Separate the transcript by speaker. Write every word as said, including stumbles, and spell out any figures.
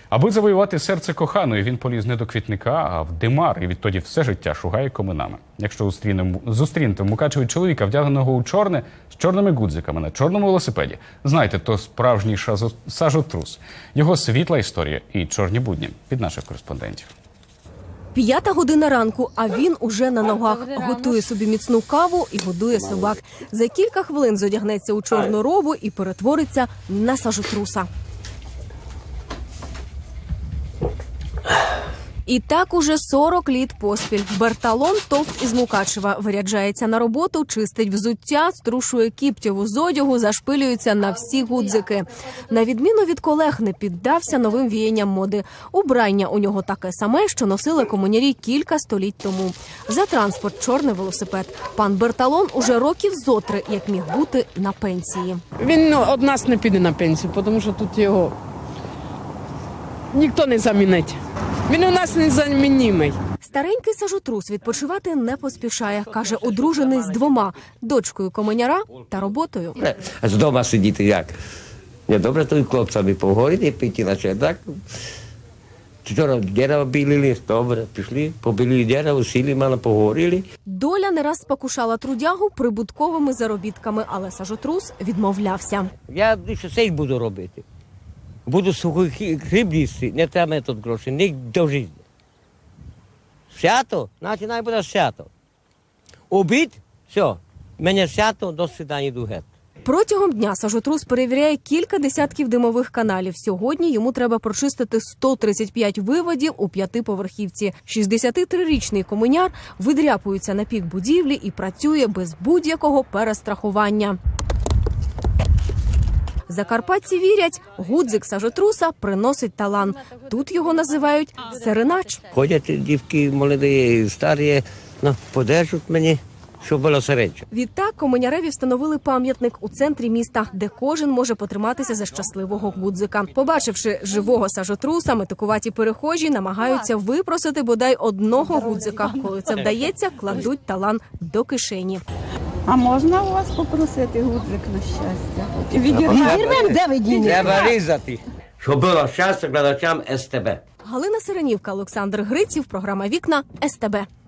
Speaker 1: Аби завоювати серце коханої, він поліз не до квітника, а в димар, і відтоді все життя шугає коминами. Якщо зустрінете в Мукачеві чоловіка, вдягненого у чорне, з чорними гудзиками на чорному велосипеді, знайте, то справжній шазо... сажотрус. Його світла історія і чорні будні від наших кореспондентів.
Speaker 2: П'ята година ранку, а він уже на ногах. Готує собі міцну каву і годує собак. За кілька хвилин зодягнеться у чорну робу і перетвориться на сажотруса. І так уже сорок літ поспіль. Берталон Товт із Мукачева виряджається на роботу, чистить взуття, струшує кіптєву з одягу, зашпилюється на всі гудзики. На відміну від колег, не піддався новим віянням моди. Убрання у нього таке саме, що носили комунярі кілька століть тому. За транспорт – чорний велосипед. Пан Берталон уже років зотри, як міг бути, на пенсії.
Speaker 3: Він ну, од нас не піде на пенсію, тому що тут його ніхто не замінить. Він у нас незамінний.
Speaker 2: Старенький сажотрус відпочивати не поспішає. Каже, одружений з двома – дочкою комуняра та роботою.
Speaker 4: А з дома сидіти як? Не добре тут хлопцями поговорити, піти на чердак. Вчора дерево білили, добре, пішли, побілили дерево, сіли, мало поговорили.
Speaker 2: Доля не раз спокушала трудягу прибутковими заробітками, але сажотрус відмовлявся.
Speaker 4: Я більше все буду робити. Буду сухий хліб їсти, не треба мені тут гроші, не до життя. Свято, значить, най буде свято. Обід, все, мене свято, до свидання, йду геть.
Speaker 2: Протягом дня сажотрус перевіряє кілька десятків димових каналів. Сьогодні йому треба прочистити сто тридцять п'ять виводів у п'ятиповерхівці. шістдесятитрирічний комуняр видряпується на пік будівлі і працює без будь-якого перестрахування. Закарпатці вірять, гудзик сажотруса приносить талант. Тут його називають сиренач.
Speaker 4: Ходять дівки молоді, старі, ну, подержуть мені, щоб було середньо.
Speaker 2: Відтак комуняреві встановили пам'ятник у центрі міста, де кожен може потриматися за щасливого гудзика. Побачивши живого сажотруса, метикуваті перехожі намагаються випросити бодай одного гудзика. Коли це вдається, кладуть талант до кишені.
Speaker 5: А можна у вас попросити гудзик на щастя? Відірвемо, де ви дінете?
Speaker 4: Треба різати, щоб було щастя глядачам ес те бе.
Speaker 2: Галина Сиренівка, Олександр Гриців, програма «Вікна», ес те бе.